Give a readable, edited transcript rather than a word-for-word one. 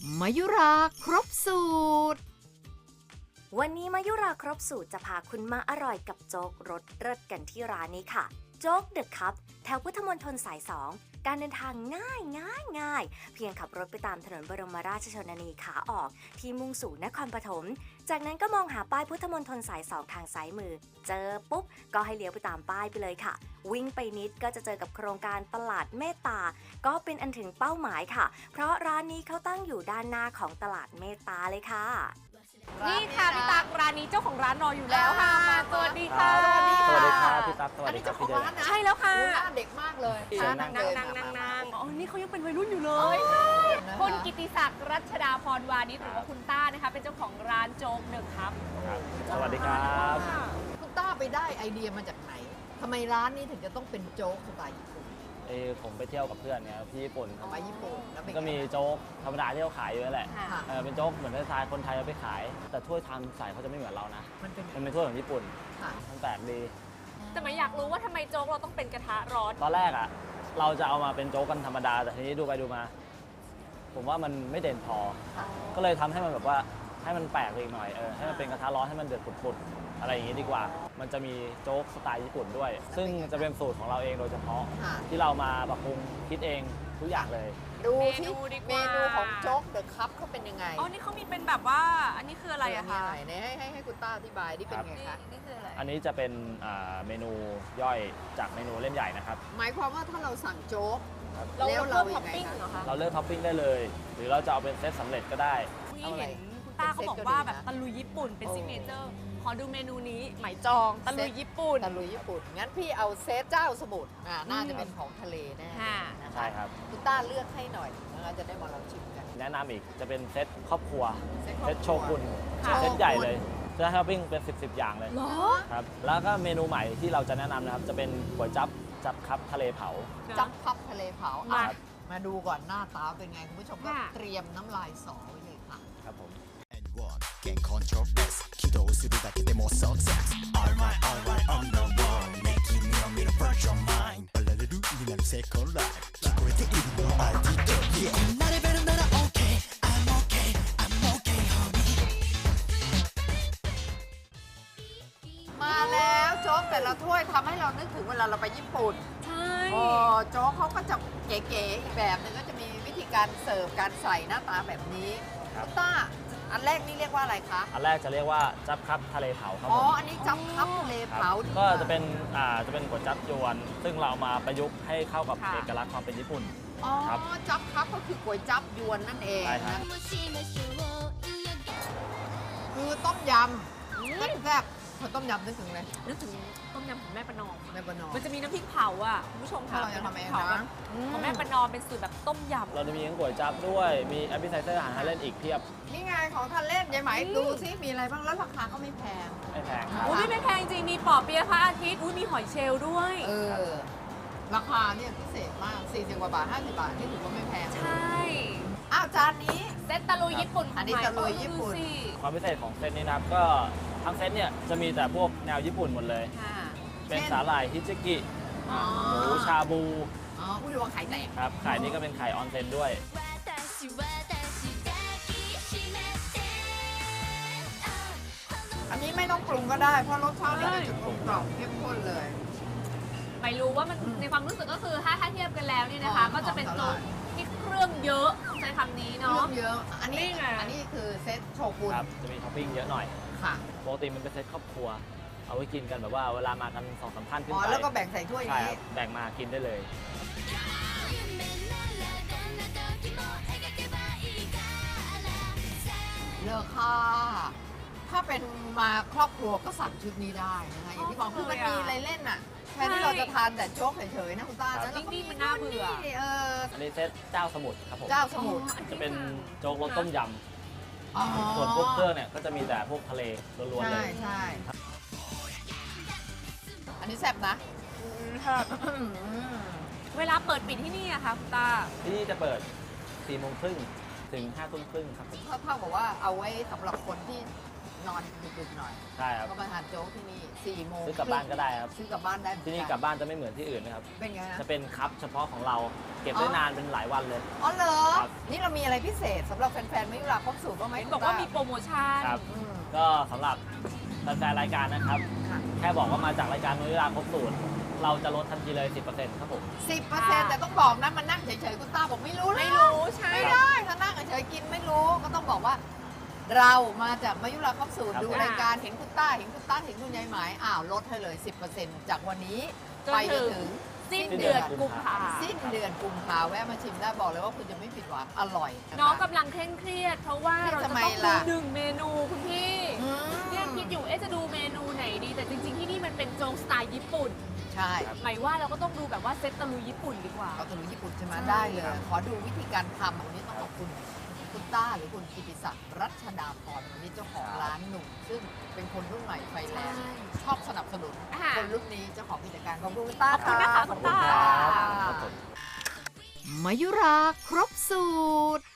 มายุราครบสูตรวันนี้มายุราครบสูตรจะพาคุณมาอร่อยกับโจ๊กรสเลิศกันที่ร้านนี้ค่ะโจ๊กเดอะคัพแถวพุทธมณฑลสาย 2การเดินทางง่ายเพียงขับรถไปตามถนนบรมราชชนนีขาออกที่มุ่งสู่นครปฐมจากนั้นก็มองหาป้ายพุทธมณฑลสาย 2ทางซ้ายมือเจอปุ๊บก็ให้เลี้ยวไปตามป้ายไปเลยค่ะวิ่งไปนิดก็จะเจอกับโครงการตลาดเมตตาก็เป็นอันถึงเป้าหมายค่ะเพราะร้านนี้เขาตั้งอยู่ด้านหน้าของตลาดเมตตาเลยค่ะนี่ค่ะพี่ตั๊กร้านนี้เจ้าของร้านรออยู่แล้วค่ะสวัสดีค่ะสวัสดีครับพี่ตั๊กสวัสดีครับพี่เดชใช่แล้วค่ะหน้าเด็กมากเลยนั่งอ๋อนี่เขายังเป็นวัยรุ่นอยู่เลยคุณกิติศักดิ์รัชดาพรวานิชหรือว่าคุณต้านะคะเป็นเจ้าของร้านโจ๊กเดอะคัพสวัสดีครับคุณต้าไปได้ไอเดียมาจากไหนทำไมร้านนี้ถึงจะต้องเป็นโจ๊กสไตล์ญี่ปุ่นผมไปเที่ยวกับเพื่อนเนี่ยที่ญี่ปุ่นเอามาญี่ปุ่นแล้วเป็นก็มีโจ๊กธรรมดาที่เขาขายอยู่นั่นแหละค่ะเป็นโจ๊กเหมือนสไตล์คนไทยเอาไปขาย แต่ถ้วยทำใส่เขาจะไม่เหมือนเรานะมันเป็นมันเป็นถ้วยของญี่ปุ่นค่ะมันแปลกดีแต่ไม่อยากรู้ว่าทำไมโจ๊กเราต้องเป็นกระทะร้อนตอนแรกอ่ะเราจะเอามาเป็นโจ๊กกันธรรมดาแต่ทีนี้ดูไปดูมา ผมว่ามันไม่เด่นพอค่ะก็เลยทำให้มันแบบว่าให้มันแปลกไปอีกหน่อยให้มันเป็นกระทะร้อนให้มันเดือดปุดๆอะไรอย่างนี้ดีกว่า มันจะมีโจ๊กสไตล์ญี่ปุ่นด้วย ซึ่งจะเป็นสูตรของเราเองโดยเฉพาะค่ะที่เรามาปรับปรุงคิดเองทุกอย่างเลยดูเมที่นูดีกเมว่านูของโจ๊กเดอะคัพเขาเป็นยังไงอ๋อนี่เขามีเป็นแบบว่าอันนี้คืออะไรอะคะมีไหนให้คุณต้าอธิบายนี่เป็นไงคะนี่คืออะไรอันนี้จะเป็นเมนูย่อยจากเมนูเล่มใหญ่นะครับหมายความว่าถ้าเราสั่งโจ๊กเราแล้วเพิ่มเรายัท็อปงไงปิ้งคะเหรอคะเราเลือกท็อปปิ้งได้เลย หรือเราจะเอาเป็นเซตสำเร็จก็ได้นี่เห็นคุณต้าเขาบอกว่าแบบตะลุยญี่ปุ่นเป็นซิกเนเจอร์ขอดูเมนูนี้ไหมจองตะลุยญี่ปุ่นตะลุยญี่ปุ่นงั้นพี่เอาเซตเจ้าสมุทรน่าจะเป็นของทะเลแน่ค่ะนะะใช่ครับคุณต้าเลือกให้หน่อยเราจะได้มาลองชิมกันแนะนำอีกจะเป็นเซตครอบครัวเซตเซตโชกุนค่ะเซตใหญ่เลยจะท็อปปิ้งเป็น 10 อย่างเลยเหรอครับแล้วก็เมนูใหม่ที่เราจะแนะนำนะครับจะเป็นก๋วยจั๊บครับทะเลเผาจับพับทะเลเผามาอ่ะมาดูก่อนหน้าตาเป็นไง คุณผู้ชมก็ค่ะเตรียมน้ำลายสอไว้เลยค่ะครับผม Gain control S 起動するだけでも success Alright alright on the wall Making me a mirror virtual mind パラレルになる second life 聞こえているの I did it Yeah こんなレベルなら OK I'm okay I'm okay homie มาแล้วโจ๊กแต่ละถ้วยทำให้เรานึกถึงเวลาเราไปญี่ปุ่นใช่โอ้โจ๊กเขาก็จะเก๋ๆอีกแบบหนึงก็จะมีวิธีการเสิร์ฟการใส่หน้าตาแบบนี้ครับคุณต้าอันแรกนี่เรียกว่าอะไรคะอันแรกจะเรียกว่าจั๊บครับทะเลเผาครับอ๋อผมอันนี้จับพับทะเลครับเผาก็จะเป็นก๋วยจั๊บยวน ซึ่งเราเอามาประยุกต์ให้เข้ากับเอกลักษณ์ความเป็นญี่ปุ่นอ๋อครับจับพับก็คือก๋วยจับยวนนั่นเองใช่ครันะบคือต้มยำแซ่บๆพอต้มยำนึกถึงอะไรนึกถึงต้มยำของแม่ประนอมแม่ประนอมมันจะมีน้ำพริกเผาอ่ะคุณผู้ชมค่ะเราจะทำเองผานะแบบของแม่ประนอมเป็นสูตรแบบต้มยำเราจะมีทั้งก๋วยจั๊บด้วยมีแอปเปิลไซเซอร์อาหารทานเล่นอีกเพียบนี่ไงของทานเล่นยายไหมดูซิมีอะไรบ้างแล้วราคาก็ไม่แพงไม่แพงครับอุ้ยไม่แพงจริง มีปอเปี๊ยะพระอาทิตย์ อุ้ยมีหอยเชลล์ด้วยราคาเนี่ยพิเศษมาก40กว่าบาท50 บาทนี่ถือว่าไม่แพงใช่อ้าวจานนี้เซตตะลุยญี่ปุ่นอันนี้ตะลุยญี่ปุ่นดูสิความพิเศษของเซตนี้นะครับก็ทั้งเซตเนี่ยจะมีแต่พวกแนวญี่ปุ่นหมดเลยค่ะเป็นสาหร่ายฮิจิกิอ๋อหมูชาบูอ๋อผู้ดูว่าไข่แตกครับไข่นี้ก็เป็นไข่ออนเซนด้วยอันนี้ไม่ต้องปรุงก็ได้ เพราะรสชาติเนี่ยจะกลมกล่อมเข้มข้นเลยไม่รู้ว่ามันในความรู้สึกก็คือถ้าเทียบกันแล้วเนี่ยนะคะหอมก็จะเป็นหอมโจ๊กที่เครื่องเยอะต้องใช้คำนี้เคเนาะรื่องเยอะ อันนี้นี่ไงอันนี้คือเซตโชกุนครับ จะมีท็อปปิ้งเยอะหน่อยค่ะปกติมันเป็นเซตครอบครัว เอาไว้กินกันแบบว่าเวลามากัน2-3ท่านขึ้นอ๋อไปแล้วก็แบ่งใส่ถ้วยใช่นี้ครับแบ่งมากินได้เลยเลอค่าถ้าเป็นมาครอบครัวก็สั่งชุดนี้ได้นะคะอย่างที่บอกคือมันมีอะไรเล่นอ่ะแทนที่เราจะทานแต่โจ๊กเฉยๆนะคุณต้าครับนะแล้วก็นิ่งๆมันน่าเบื่ออันนี้เซตเจ้าสมุทรครับผมเจ้าสมุทรจะเป็นโจ๊กรสต้มยอ๋อำส่วนพวกเครื่องเนี่ยก็จะมีแต่พวกทะเลล้วนๆเลใช่ยใช่อันนี้แซ่บนะเวลาเปิดปิดที่นี่อะค่ะคุณตาที่นี่จะเปิด4 โมงครึ่งถึง5 ทุ่มครึ่งครับผมเท่ากับว่าเอาไว้สำหรับคนที่นอนดึกๆหน่อยใช่ครับก็มาทานโจ๊กที่นี่4 โมงซื้อกลับบ้านก็ได้ครับซื้อกลับบ้านได้เหมือที่นี่กักลับบ้านจะไม่เหมือนที่อื่นนะครับเป็นไงนะจะเป็นคัพเฉพาะของเราเก็บได้นานเป็นหลายวันเลยอ๋อเหรอครับนี่เรามีอะไรพิเศษสำหรับแฟนๆมายุราครบสูตรบ้างไหมเห็นบอกว่ามีโปรโมชั่นครับอืมก็สำหรับแฟนๆรายการนะครับค่ะแค่บอกว่ามาจากรายการนุ้ยราครบสูตร เราจะลดทันทีเลย 10%ครับผม 10%แต่ต้องบอกนะมันนั่งเฉยๆคุณตาบอกไม่รู้ไม่รู้ใช่ไม่ได้ถ้านั่งเฉยๆกินไม่รู้ก็ต้องบอกว่า เรามาจากมายุราครบสูตรครับดูรายการเห็นคุณต้าเห็นคุณต้าเห็นคุณยายหมายอ้าวลดให้เลย 10%จากวันนี้จนไปจถึนงถึงสิ้นเดือนกุมภาสิ้นเดือนกุมภาแวะมาชิมได้บอกเลยว่าคุณจะไม่ผิดหวังอร่อยะคะน้องกำลังเคร่งเครียด เพราะว่าเราจะทำไมต้องล่ะดู1 เมนูคุณพี่อืมเนี่ยคิดอยู่จะดูเมนูไหนดี แต่จริงๆที่นี่มันเป็นโจ๊กสไตล์ญี่ปุ่นใช่หมายว่าเราก็ต้องดูแบบว่าเซตตะลุยญี่ปุ่นดีกว่าเอาตะลุยญี่ปุ่นใช่ไหมใช่ได้เลย ขอดูวิธีการทำวันนี้ต้องขอบคุณคุณต้าหรือคุณกิติศักดิ์รัชดาพรวันนี้เจ้าของร้านหนุ่ม ซึ่งเป็นคนรุ่นใหม่ไฟแรง ชอบสนับสนุนอ่าคนรุ่นนี้เจ้าของกิจการขอบคุณคุณต้าขอบคุณนะคะขอบคุณต้าค่ะครับผมมายุราครบสูตร